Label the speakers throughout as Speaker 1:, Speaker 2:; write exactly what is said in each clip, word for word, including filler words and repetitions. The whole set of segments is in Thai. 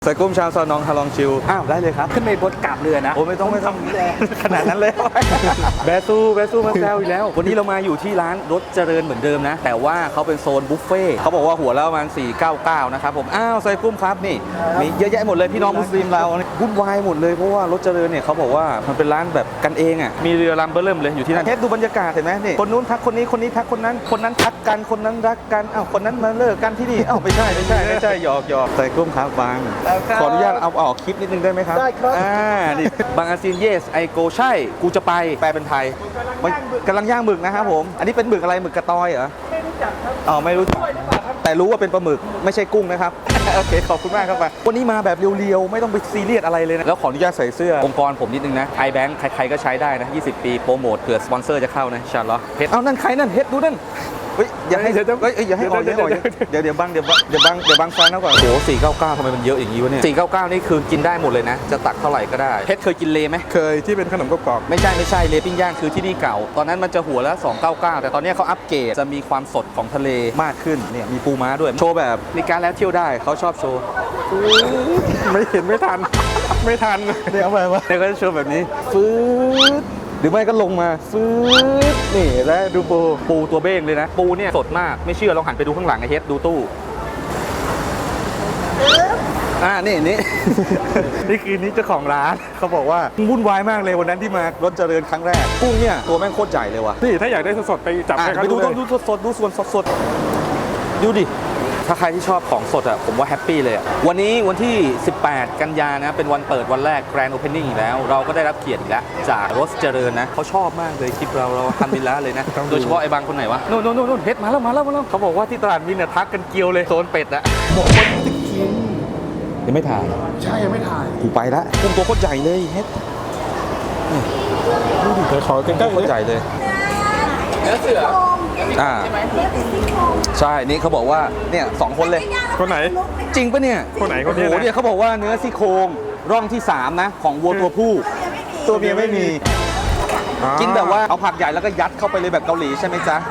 Speaker 1: ใส่กุ้มชาวซอนองฮาลองชิวอ้าวได้เลยครับ
Speaker 2: ขึ้นไปบนกาบเรือนะ
Speaker 1: โอ้ไม่ต้องไม่ต้องขนาดนั้นเลยแบซูแบซูมาแซวอีกแล้ววันนี้เรามาอยู่ที่ร้านรถเจริญเหมือนเดิมนะแต่ว่าเขาเป็นโซนบุฟเฟ่เขาบอกว่าหัวละประมาณสี่ร้อยเก้าสิบเก้านะครับผมอ้าวใส่กุ้มครับนี่มีเยอะแยะหมดเลยพี่น้องมุสลิมเราวุ่นวายหมดเลยเพราะว่ารถเจริญเนี่ยเขาบอกว่ามันเป็นร้านแบบกันเองอ่ะมีเรือลำเบอร์เริ่มเลยอยู่ที่นั่นเฮ็ดดูบรรยากาศเห็นไหมนี่คนนู้นทักคนนี้คนนี้ทักคนนั้นคนนั้นทักกันคนนั้นรักกันอ้าวคนนั้นมาเลิกกันที่นี่อ้าวไม่ใช่ไม่ใช่ไม่ใช่หยอกหยอกใส่กุ้มครับบางขออนุญาตเอาออกคลิปนิดนึงได้ไหมครับ
Speaker 2: ได้ครับ
Speaker 1: อ่านี่บางอาซีน yes I go ใช่กูจะไปแปลเป็นไทยกำลังย่างหมึกนะครับผมอันนี้เป็นหมึกอะไรหมึกกระตอยเหรอไม่รู้จักครับอ๋อไม่รู้จักแต่รู้ว่าเป็นปลาหมึกไม่ใช่กุ้งนะครับโอเคขอบคุณมากครับวันนี้มาแบบเรียวๆไม่ต้องไปซีเรียสอะไรเลยนะแล้วขออนุญาตใส่เสื้อองค์กรผมนิดนึงนะ iBank ใครๆก็ใช้ได้นะยี่สิบปีโปรโมทเผื่อสปอนเซอร์จะเข้านะอินชาอัลลอฮ์เฮ็ดเอานั่นใครนั่นเฮ็ดดูนั่นเฮ้ยอย่าให้เดี๋ยวเฮ้ยอย่าให้ออกเดี๋ยวเดี๋ยวเดี๋ยวบังเดี๋ยวเดี๋ยวบังเดี๋ยวบังฟันนะก่อนโอ้สี่เก้าเก้าทำไมมันเยอะอย่างนี้วะเนี่ยสี่เก้าเก้านี่คือกินได้หมดเลยนะจะตักเท่าไหร่ก็ได้เฮ็ดเคยกินเลไหม
Speaker 3: เคยที่เป็นขนมกรอบ
Speaker 1: ไม่ใช่ไม่ใช่เลปิ้งย่างคือที่นี่เก่าตอนนั้นมันจะหัวละสองร้อยเก้าสิบเก้าแต่ตอนนี้เขาอัปเกรดจะมีความสดของทะเลมากขึ้นเนี่ยมีปูม้าด้วยโชว์แบบมีการแล้วเที่ยวได้เขาชอบโชว์
Speaker 3: ไม่เห็นไม่ทันไม่ทัน
Speaker 1: เดี๋ยวเอาไปวะเดี๋ยวก็จะโชว์แบบนี้ฟืดหรือไม่ก็ลงมาฟืดนี่แล้วดูปูปูตัวเบ้งเลยนะปูเนี่ยสดมากไม่เชื่อลองหันไปดูข้างหลังไอ้เฮ็ดดูตู้อ่านี่นี่ นี่คือนี่เจ้าของร้านเขาบอกว่าวุ่นวายมากเลยวันนั้นที่มารถเจริญครั้งแรกกุ้งเนี่ยตัวแม่งโคตรใหญ่เลยว่ะ
Speaker 3: นี่ถ้าอยากได้สดๆไปจับให้เขา
Speaker 1: ไปดู
Speaker 3: ดู
Speaker 1: ดูสดๆดูส่วนสดๆดูดิถ้าใครที่ชอบของสดอ่ะผมว่าแฮปปี้เลยอ่ะวันนี้วันที่สิบแปดกันยานะเป็นวันเปิดวันแรก Grand Opening อีกแล้วเราก็ได้รับเกียรติอีกแล้วจากรถเจริญนะเขาชอบมากเลยคลิปเราเราทำดีแล้วเลยนะโดยเฉพาะไอ้บางคนไหนวะนู่นนู่นนู่นเฮ็ดมาแล้วมาแล้วมาแล้วเขาบอกว่าที่ตลาดมินเนี่ยทักกันเกลียวเลยโซนเป็ดอะบอกคนจะกินยังไม่ถ่าย
Speaker 3: ใช่ยังไม่ถ่าย
Speaker 1: กูไปละกุ้งตัวโคตรใหญ่เลยเฮ็ด
Speaker 3: ดูดิเดี๋ยวขอใกล้ๆ
Speaker 1: โคตรใหญ่เลย
Speaker 2: เนื้อเสือ
Speaker 1: อ่าใช่นี่เขาบอกว่าเนี่ยสองคนเลย
Speaker 3: คนไหน
Speaker 1: จริงปะเนี่ย
Speaker 3: คนไหนคนนี้
Speaker 1: โอ้โหเนี่ยเขาบอกว่าเนื้อซี่โครงร่องที่สามนะของวัวตัวผู้ตัวเมียไม่มีกินแบบว่าเอาผักใหญ่แล้วก็ยัดเข้าไปเลยแบบเกาหลีใช่ไหมจ๊ะ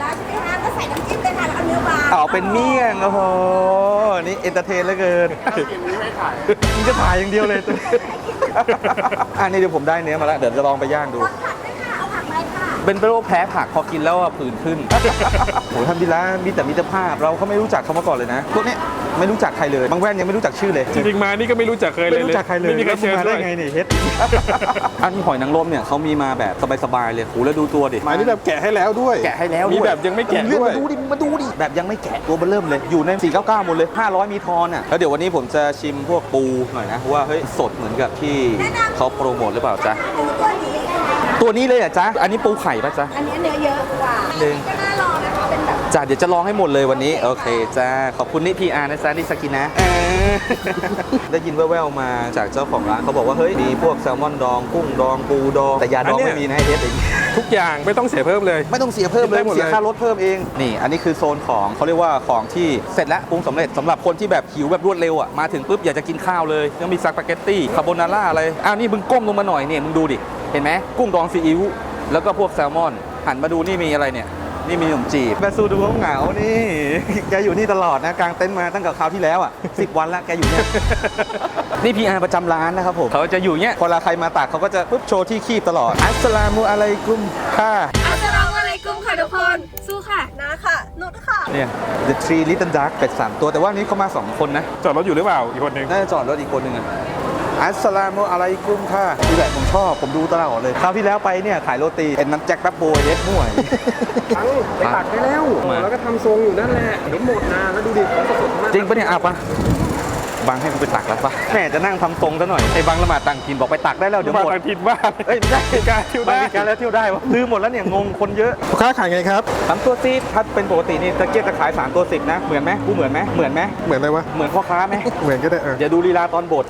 Speaker 1: เอาเป็นเมี่ยงโอ้โหนี่เอนเตอร์เทนเหลือเกินมึงจะถ่ายอย่างเดียวเลยตัวอันนี้เดี๋ยวผมได้เนื้อมาแล้วเดี๋ยวจะลองไปย่างดูเป็นโรคแพ้ผักพอกินแล้วผื่นขึ้นโหทำดีแล้วมีแต่มิตรภาพเราเขาไม่รู้จักเขามาก่อนเลยนะพวกนี้ไม่รู้จักใครเลยบางแว่นยังไม่รู้จักชื่อเลย
Speaker 3: จริงๆมานี่ก็ไม่รู้จักเคยเลย
Speaker 1: ไม่รู้จักใครเลย
Speaker 3: ไม่มีใครเชิญด้วย
Speaker 1: ไงนี่เฮ็ดอันหอยนางรมเนี่ยเขามีมาแบบสบายๆเลยโหแล้วดูตัวดิ
Speaker 3: หมายนี่แบบแกะให้แล้วด้วย
Speaker 1: แกะให้แล้ว
Speaker 3: มีแบบยังไม่แกะด้วย
Speaker 1: มาดูดิมาดูดิแบบยังไม่แกะตัวเบอร์เริ่มเลยอยู่ในสี่เก้าเก้าหมดเลยห้าร้อยมีทอนอ่ะแล้วเดี๋ยววันนี้ผมจะชิมพวกปูหน่อยนะว่าเฮ้ยสดเหมือนกับที่เขาโปรโมทหรือเปล่าจ๊ะตัวนี้เลยอ่ะจ๊ะอันนี้ปูไข่ป่ะจ๊ะ
Speaker 4: อันนี้เนื้อเยอะกว่าอันนี้ก็น่าลองนะคะเป็นแบบ
Speaker 1: จ้าเดี๋ยวจะลองให้หมดเลยวันนี้โอเคจ้าขอบคุณนิพีอาร์นะจ๊ะนิสกินะได้ยินแว่วๆมาจากเจ้าของร้านเขาบอกว่าเฮ้ยมีพวกแซลมอนดองกุ้งดองปูดองแต่ยาดองไม่มีนะเฮ็ดเอง
Speaker 3: ทุกอย่างไม่ต้องเสียเพิ่มเลย
Speaker 1: ไม่ต้องเสียเพิ่มเลยเสียค่ารถเพิ่มเองนี่อันนี้คือโซนของเขาเรียกว่าของที่เสร็จแล้วปรุงสำเร็จสำหรับคนที่แบบหิวแบบรวดเร็วอ่ะมาถึงปุ๊บอยากจะกินข้าวเลยยังมีสปาเกตตี้คาโบนาร่าอะไรอ้าวนี่มึงก้มลงมาหน่อยเนี่ยมึงดูดิเห็นไหมกุ้งดองซีอิ๊วแล้วก็พวกแซลมอนหันมาดูนี่มีอะไรเนี่ยนี่มีขนมจีบแบซูดูเขาเหงานี่แกอยู่นี่ตลอดนะกางเต็นท์มาตั้งแต่คราวที่แล้วอ่ะสิบวันแล้วแกอยู่เนี่ยนี่พีอาร์ประจำร้านนะครับผมเขาจะอยู่เนี่ยพอเวลาใครมาตักเขาก็จะปุ๊บโชว์ที่คีบตลอดอัสสลามุอะลัยกุมค่ะ
Speaker 4: อัสสลามุอะลัยกุมค่ะทุกคนสู้ค่ะนะค่ะนุชค่ะ
Speaker 1: เนี่ย The Three Little Duck เป็ดสามตัวแต่ว่านี้เขามาสองคนนะ
Speaker 3: จอดรถอยู่หรือเปล่าอีกคนนึง
Speaker 1: น่าจะจอดรถอีกคนนึงอ่ะอัสสลามุอะลัยกุมค่ะนี่แหละผมชอบผมดูตลอดเลยคราวที่แล้วไปเนี่ยขายโรตีเป็นน้ำแจ็คแป๊บโบยเล็ดม่วย
Speaker 3: ไปตักได้แล้วแล้วก็ทำทรงอยู่นั่นแหละเห็นหมดนะแล้วดูดิแล้วสดมาก
Speaker 1: จริงปะเนี่ยอ่ะปะบางให้กูไปตักแล้วปะแม่จะนั่งทำทรงซะหน่อยไอ้บางละหมาดต่างถิ่นบอกไปตักได้แล้วเดี๋ยวหมด
Speaker 3: ต่างถิ่นบ้า
Speaker 1: เอ้ยไม่ใช่การเที่ยวได้การแล้วเที่ยวได้วะลืมหมดแล้วเนี่ยงงคนเยอะ
Speaker 3: ลูกค้าขายไงครับ
Speaker 1: สามตัวสิบถ้าเป็นปกตินี่ตะเกียบจะขายสามตัวสิบนะเหมือนไหมกูเหมือนไหมเหมือนไหม
Speaker 3: เหมือนอะไรวะ
Speaker 1: เหมือนพ่อค้าไหม
Speaker 3: เหมือนก็ได้เออ
Speaker 1: อย่าดูลีลาตอนบด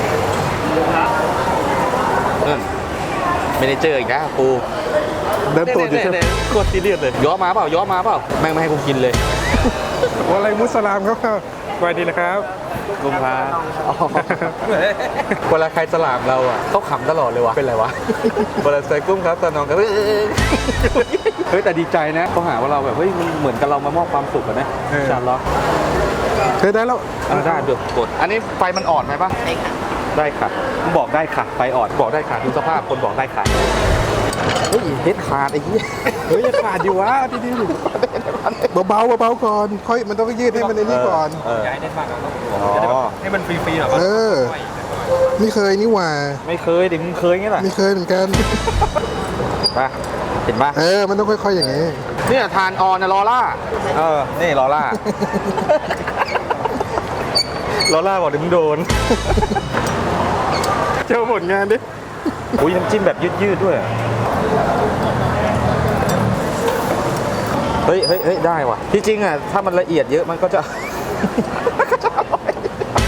Speaker 1: เออไม่ได้เจออีกนะปู
Speaker 3: เดินตัวอยู่ใช่ไหม
Speaker 1: โคตรซีเรียสเลยย้อมาเปล่าย้อมาเปล่าแม่งไม่ให้กูกินเลย
Speaker 3: ว่าอะไรมุสลามครับสวัสดีนะครับ
Speaker 1: กุมภาเวลาใครสลามเราอ่ะเขาขำตลอดเลยวะเป็นไรวะเวลาใส่กุ้งครับตอนน้องกันเฮ้ยแต่ดีใจนะเขาหาว่าเราแบบเฮ้ยมันเหมือนกับเรามามอบความสุขกันนะชันล็อก
Speaker 3: เคยได้แล้ว
Speaker 1: เอาได้เดี๋ยวกด อันนี้ไฟมันอ่อนไหมปะได้ค่ะ ได้ค่ะมึงบอกได้ค่ะ ไฟอ่อน บอกได้ค่ะ ดูสภาพคนบอกได้ค่ะ เฮ้ยเฮ็ดขาดไอ้เหี้ย
Speaker 3: เฮ้ยอย่าขาดดิวะดีดีเบาๆเบาๆก่อนค่อยมันต้องยืดให้มันในนี้ก่อน
Speaker 1: เออ
Speaker 2: ย้ายเน้นมากเราต้อง
Speaker 1: อ๋อ
Speaker 2: ให้มันฟรีๆหรอ
Speaker 3: เออไม่เคยนี่หว่า
Speaker 1: ไม่เคยดิมึงเคยงี้แหละ
Speaker 3: ไม่เคยเหมือนกัน
Speaker 1: ปะเห็นปะ
Speaker 3: เออมันต้องค่อยๆอย่างนี้
Speaker 1: เนี่ยทานออนนะลอล่า เออ นี่ลอล่า ลอล่าบอกเดี๋ยวมึงโดน
Speaker 3: เจ้าผลงานดิ
Speaker 1: อุ้ยน้ำจิ้มแบบยืดๆด้วย เฮ้ยเฮ้ยเฮ้ยได้ว่ะ ที่จริงอ่ะ ถ้ามันละเอียดเยอะมันก็จะ ก็จะอร่อย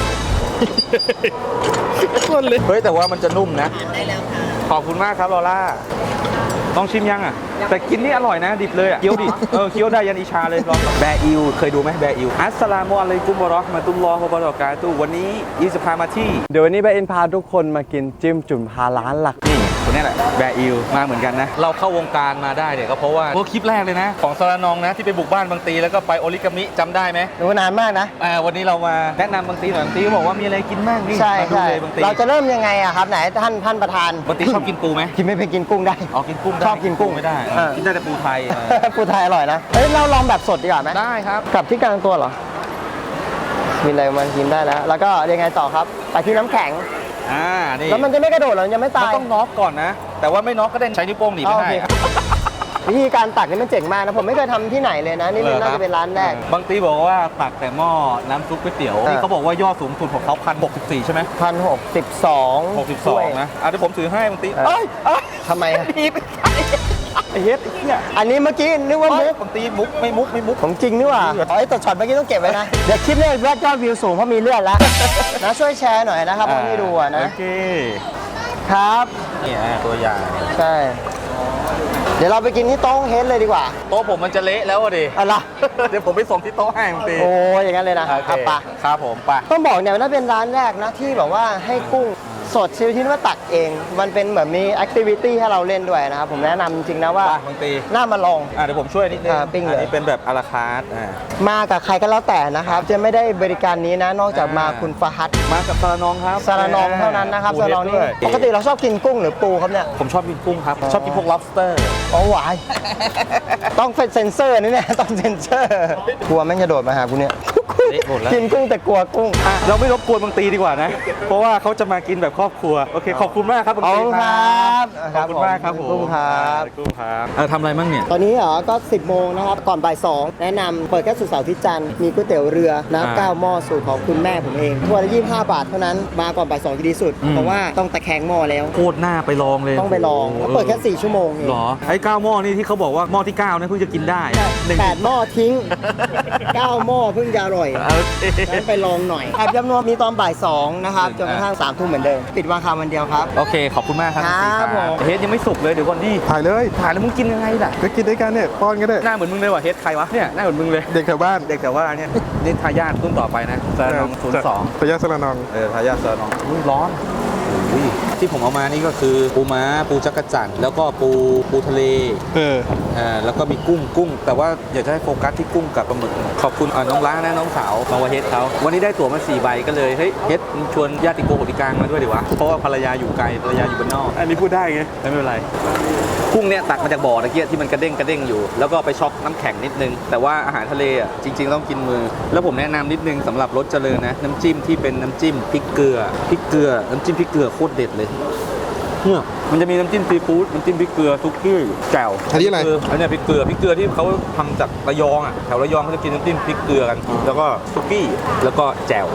Speaker 1: คนเลยเฮ้ย แต่ว่ามันจะนุ่มนะ ได้แล้วค่ะ ขอบคุณมากครับลอล่า ต้องชิมยังอ่ะ แต่กินนี่อร่อยนะ ดิบเลยอ่ะ เคี้ยวดิ เออ เคี้ยวได้ยันอิชาเลยลองแบอิว เคยดูไหมแบอิว อัสสลามุอะลัยกุมวะเราะห์มะตุลลอฮ์วะบะเราะกาตุฮ์วันนี้ยี่สิบพามาที่
Speaker 5: เดี๋ยววันนี้แบอินพาทุกคนมากินจิ้มจุ่มฮาร้านหลัก
Speaker 1: นี่คนนี้แหละแบอิวมาเหมือนกันนะ เราเข้าวงการมาได้เนี่ยก็เพราะว่าพวกคลิปแรกเลยนะ ของสารนองนะที่ไปบุกบ้านบางตีแล้วก็ไปโอริกามิจำได้ไหม
Speaker 5: ดูนานมากนะ
Speaker 1: อ่าวันนี้เรามาแนะนำบางตีหน่อยบางตีก็บอกว่ามีอะไรกินบ้างนี่
Speaker 5: ใช่
Speaker 1: มาดู
Speaker 5: ใช่
Speaker 1: เลยบางตี
Speaker 5: เราจะเริ่มยังไงอะครับไหนท่านท่านประธาน
Speaker 1: บางตีชอบกินปูไหม
Speaker 5: กินไม่เป็นกินกุ้งได้
Speaker 1: อ๋อกินกุ้งได้
Speaker 5: ชอบกินกุ้ง
Speaker 1: ไม่ได้
Speaker 5: เออ
Speaker 1: กินได้แต่ปูไทยเออ
Speaker 5: ปูไทยอร่อยนะเฮ้ยเราลองแบบสดดีกว่าไหม
Speaker 1: ได้ครับ
Speaker 5: กลับที่กลางตัวเหรอมีอะไรมันกินได้แล้ว แล้วก็ยังไงต่อครับไปที่น้ำแข็ง
Speaker 1: อ่านี่
Speaker 5: แล้วมันจะไม่กระโดดเหรอมันยังไม่
Speaker 1: มัน
Speaker 5: ตาย
Speaker 1: ต้องน็อกก่อนนะ แต่ว่าไม่น็อกก็ได้ใช้นิ้วโป้งหนี
Speaker 5: อ๋
Speaker 1: ไม่
Speaker 5: อโอ
Speaker 1: ได้
Speaker 5: เควิธีการตักนี่มันเจ๋งมากนะผมไม่เคยทำที่ไหนเลยนะนี่น่าจะเป็นร้านแรก
Speaker 1: บางตีบอกว่าตักแต่หม้อน้ำซุปก๋วยเตี๋ยว
Speaker 5: เออ
Speaker 1: นี่เขาบอกว่ายอดสูงสุดของเขาพันหกสิบสี่ใช่ไหม
Speaker 5: พันหกสิบสอง
Speaker 1: หกสิบสองนะอ่ะเดี๋ยวผมถือให้บางตี
Speaker 5: เออ
Speaker 1: เอ้ยเอ้ย
Speaker 5: ทำไมอะ
Speaker 1: ดีไปไอ้เฮ็ดไอ้เหี้ย
Speaker 5: อันนี้เมื่อกี้นึกว่ามุก
Speaker 1: บางตีมุกไม่มุกไม่มุก
Speaker 5: ของจริงนี่หว่าอ๋อไอ้แต่ช็อตเมื่อกี้ต้องเก็บไว้นะ เดี๋ยวคลิปนี้ยอดยอดวิวสูงเพราะมีเลือดแล้ว นะช่วยแชร์หน่อยนะครับคนที่ดูอะนะ
Speaker 1: โอเค
Speaker 5: ครับ
Speaker 1: นี่อ่ะตัวอย่าง
Speaker 5: ใช่ เดี๋ยวเราไปกินที่โต๊ะเฮดเลยดีกว่า
Speaker 1: โต๊ะผมมันจะเละแล้วอ่ะดิ
Speaker 5: อะไร
Speaker 1: เดี๋ยวผมไปส่งที่โต๊ะให้บางตี
Speaker 5: โอ้ยอย่างนั้นเลยนะ
Speaker 1: โอเค
Speaker 5: อ่ะไปะ
Speaker 1: ครับผมไป
Speaker 5: ต้องบอกเนี่ยว่าเป็นร้านแรกนะที่แบบว่าให้กุ้งสดชิลที่ว่าตักเอง มันเป็นเหมือนมีแอคทิวิตี้ให้เราเล่นด้วยนะครับ ผมแนะนำจริงๆนะว่า
Speaker 1: ไปบางตี
Speaker 5: น่ามาลอง
Speaker 1: อ่ะเดี๋ยวผมช่วยนิดนึง
Speaker 5: อ่าปิ้งเลย
Speaker 1: อันนี้เป็นแบบอาราคาร์ทอ่า
Speaker 5: มากับใครก็แล้วแต่นะครับ จะไม่ได้บริการนี้นะ นอกจากมาคุณฟาฮัด
Speaker 1: มากับซาลานองครับ
Speaker 5: ซาลานองเท่านั้นนะครับ
Speaker 1: ปู
Speaker 5: ซา
Speaker 1: เฮ็ด
Speaker 5: ลานองนี่
Speaker 1: ด้วย
Speaker 5: ปกติเราชอบกินกุ้งหรือปูครับเนี่ย
Speaker 1: ผมชอบกินกุ้งครับ ชอบกินพวก lobster
Speaker 5: อ๋อหวาย ต้องเป็นเซนเซอร์นี่เนี่ย ต้องเซนเซอร์ กลัวแม่งจะโดดมาหากูเนี่ย
Speaker 1: เละหมดแล้ว
Speaker 5: กินกุ้งแต่กลัวกุ้ง
Speaker 1: อ่ะเราไม่รบกวนบางตีดีกว่านะ เพราะว่าเขาจะมากินแบบครอบครัว โอเค ขอบคุณมากครับบาง
Speaker 5: ขอบ
Speaker 1: ตี
Speaker 5: คุณ
Speaker 1: ค
Speaker 5: ค
Speaker 1: ร
Speaker 5: รั
Speaker 1: ั
Speaker 5: บบ
Speaker 1: ขอบคุณมากครับผม
Speaker 5: กุ้งครับ
Speaker 1: กุ้งครับเออทำอะไรมั่งเนี่ย
Speaker 5: ตอนนี้เหรอ ก็ สิบโมงนะครับ ก่อนบ่ายสองแนะนำเปิดแค่สุดเสาร์อาที่จันทร์มีก๋วยเตี๋ยวเรือน้ำเก้าหม้อสูตรของคุณแม่ผมเองถ้วยละยี่สิบห้าบาทเท่านั้น มาก่อนบ่ายสองจะดีสุด
Speaker 1: อืม
Speaker 5: เพราะว่าต้องตะแคงหม้อแล้ว
Speaker 1: โคตรหน้าไปลองเลย
Speaker 5: ต้องไปลองแล้วเปิดแค่สี่ชั่วโมงเอง
Speaker 1: หรอ ไอ้เก้าหม้อนี่ที่เขาบอกว่าหม้อที่เก้านะเพิ่งจะกินได้หนึ่ง
Speaker 5: แปดหม้อทิ้งเก้าหม้อเพิ่งจะอร่อย
Speaker 1: โอเค
Speaker 5: งั้นไปลองหน่อยแอบจำนวนมีตอนบ่ายสองนะครับจนกระทั่งสามทุ่มเหมือนเดิม ปิดวันคาวันเดียวครับ
Speaker 1: โอเค ขอบคุณมากครับ
Speaker 5: ครับผม
Speaker 1: เฮดยังไม่สุกเลยเดี๋ยวก่อนดิ
Speaker 3: ถ่ายเลย
Speaker 1: ถ่ายแล้วมึงกินยังไงล่ะ
Speaker 3: ก็กินด้วยกันเนี่ยป้อนก็ได้
Speaker 1: หน้าเหมือนมึงเลยว่ะเฮดใครวะ เนี่ยหน้าเหมือนมึงเลย
Speaker 3: เด็กแถวบ้าน
Speaker 1: เด็กแต่ว่าเนี่ยนี่ทายาทรุ่นต่อไปนะซาลานองศูนย์สอง
Speaker 3: พยาสระนอง
Speaker 1: เออทายาทซาลานองอุ้ยร้อนอุ้ยที่ผมเอามานี่ก็คือปูม้าปูจักรจั่นแล้วก็ปูปูทะเล
Speaker 3: เออ
Speaker 1: อ่าแล้วก็มีกุ้งกุ้ง แต่ว่าอยากจะให้โฟกัสที่กุ้งกับปลาหมึกขอบคุณอ่าน้องล้านะน้องสาวมาวาเฮดเขาวันนี้ได้ตั๋วมาสี่ใบก็เลยเฮ้ยเฮดมึงชวนญาติโกโหติกลางมาด้วยดีวะเพราะว่าภรรยาอยู่ไกลภรรยาอยู่บ้านนอก
Speaker 3: อันนี้พูดได้ไง
Speaker 1: ไม่เป็นไรกุ้งเนี่ยตักมาจากบ่อตะเกียที่มันกระเด้งกระเด้งอยู่ แล้วก็ไปช็อกน้ำแข็งนิดนึง แต่ว่าอาหารทะเลอ่ะจริงๆต้องกินมือ แล้วผมแนะนำนิดนึงสำหรับรสเจริญนะน้ำจิ้มที่เป็นน้ำจิ้มพริกเกลือพริกเกลือน้ำจิ้มพริกเกลือโคตรเด็ดเลยเนี่ยมันจะมีน้ำจิ้มซีฟู้ดน้ำจิ้มพริกเกลือซุกี้แจ่ว
Speaker 3: อันนี้อะไร
Speaker 1: อันเนี้ยพริกเกลือพริกเกลือที่เขาทำจากระยองอ่ะแถวระยองเขาจะกินน้ำจิ้มพริกเกลือกัน แล้วก็ซุกี้แล้วก็แจ่ว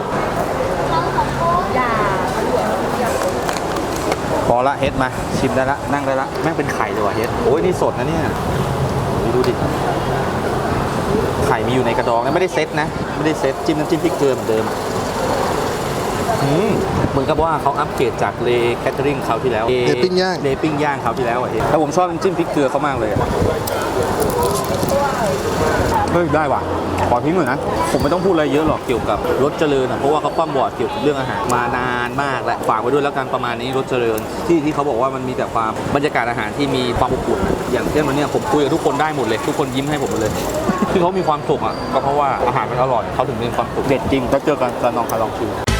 Speaker 1: พอละเฮ็ดมาชิมได้ละนั่งได้ละแม่งเป็นไข่เลยว่ะเฮ็ดโอ้ยนี่สดนะเนี่ยดูดิไข่มีอยู่ในกระดองนะไม่ได้เซ็ตนะไม่ได้เซ็ตจิ้มน้ำจิ้มพริกเกลือเหมือนเดิมอืมเหมือนกับว่าเขาอัปเกรดจากเลแคทเทอริงคราวที่แล้ว
Speaker 3: เลปิ้งย่าง
Speaker 1: เลปิ้งย่างคราวที่แล้วอ่ะเฮ็ดแต่ผมชอบน้ำจิ้มพริกเกลือเขามากเลยอะเฮ้ยได้ว่ะขอทิ้งหน่อยนะผมไม่ต้องพูดอะไรเยอะหรอกเกี่ยวกับรถเจริญนะเพราะว่าเขาคว่ำบอร์ดเกี่ยวกับเรื่องอาหารมานานมากแล้วฝากไว้ด้วยแล้วกันประมาณนี้รถเจริญที่ที่เขาบอกว่ามันมีแต่ความบรรยากาศอาหารที่มีความอบอุ่นอย่างเช่นวันนี้ผมคุยกับทุกคนได้หมดเลยทุกคนยิ้มให้ผมหมดเลยที่เขามีความสุขอ่ะก็เพราะว่าอาหารมันอร่อยเขาถึงมีความสุขเด็ดจริงแล้วเจอกันกับน้องคาลองชิว